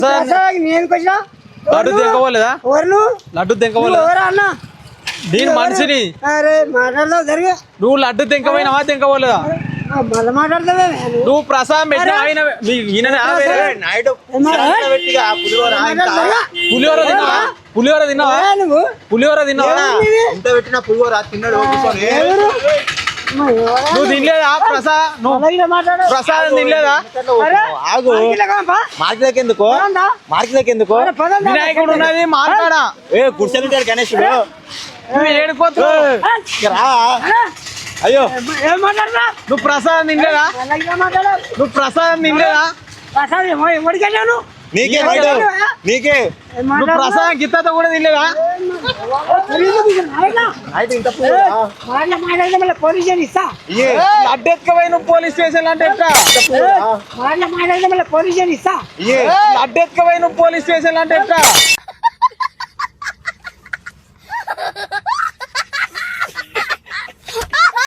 నేను కొంచెం లడ్డు తెంకపోలేదా లడ్డు తెంకపోలేదా నేను మనిషిని అరే మాట్లాడదావు జరిగే నువ్వు లడ్డు తెంకపోయినావా తెంకపోలేదా మళ్ళీ మాట్లాడతావే నువ్వు ప్రసాదం పెట్టిన పులిహోర తిన్నావా పులిహోర తిన్నావా నువ్వు పులిహోర తిన్నావా ఎంత పెట్టిన పులిహోర తిన్నాడు నువ్వు తినలేదా ప్రసాదం తినలేదా ఆగు మార్కెట్కి ఎందుకు మార్కెట్కి ఎందుకు వినాయకుడు ఉన్నది మార్కాడా కూర్చొని గణేశుడు నువ్వు ఏడుకోతున్నావు అయ్యో ఏం మాట్లాడతా నువ్వు ప్రసాదం తినలేదా నువ్వు ప్రసాదం తినలేదా ఎవరికెళ్ళాను నీకే బయట నీకే నువ్వు ప్రసాదం గిత్తతో కూడా తినలేదా అయితే ఇంత మాట్లాడితే మళ్ళీ పోలీస్ స్టేషన్ ఇస్తా లడ్డు ఎత్తుకపోయి నువ్వు పోలీస్ స్టేషన్ అంటే ఎట్లా మాట్లాడితే మళ్ళీ పోలీస్ స్టేషన్ ఇస్తా లడ్డు ఎత్తుకపోయి నువ్వు పోలీస్ స్టేషన్ అంటే ఎట్లా